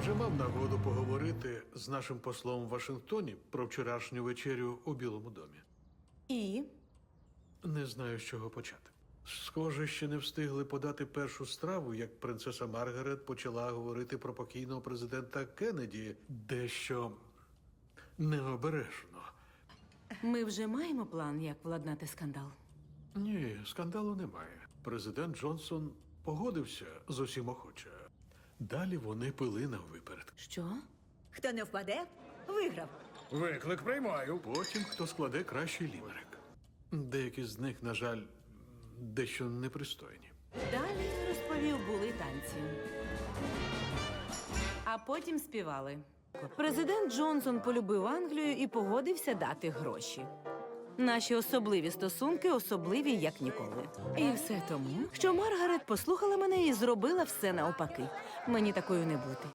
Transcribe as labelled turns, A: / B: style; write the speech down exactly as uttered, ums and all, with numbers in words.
A: Вже мав нагоду поговорити з нашим послом в Вашингтоні про вчорашню вечерю у Білому домі.
B: І?
A: Не знаю, з чого почати. Схоже, ще не встигли подати першу страву, як принцеса Маргарет почала говорити про покійного президента Кеннеді дещо необережно.
B: Ми вже маємо план, як владнати скандал.
A: Ні, скандалу немає. Президент Джонсон погодився з усім охоче. Далі вони пили наввиперед.
B: Що?
C: Хто не впаде, виграв.
D: Виклик приймаю.
A: Потім хто складе кращий лімерик. Деякі з них, на жаль, дещо непристойні.
B: Далі, розповів, були танці. А потім співали. Президент Джонсон полюбив Англію і погодився дати гроші. Наші особливі стосунки особливі, як ніколи. І все тому, що Маргарет послухала мене і зробила все навпаки. Мені такою не бути.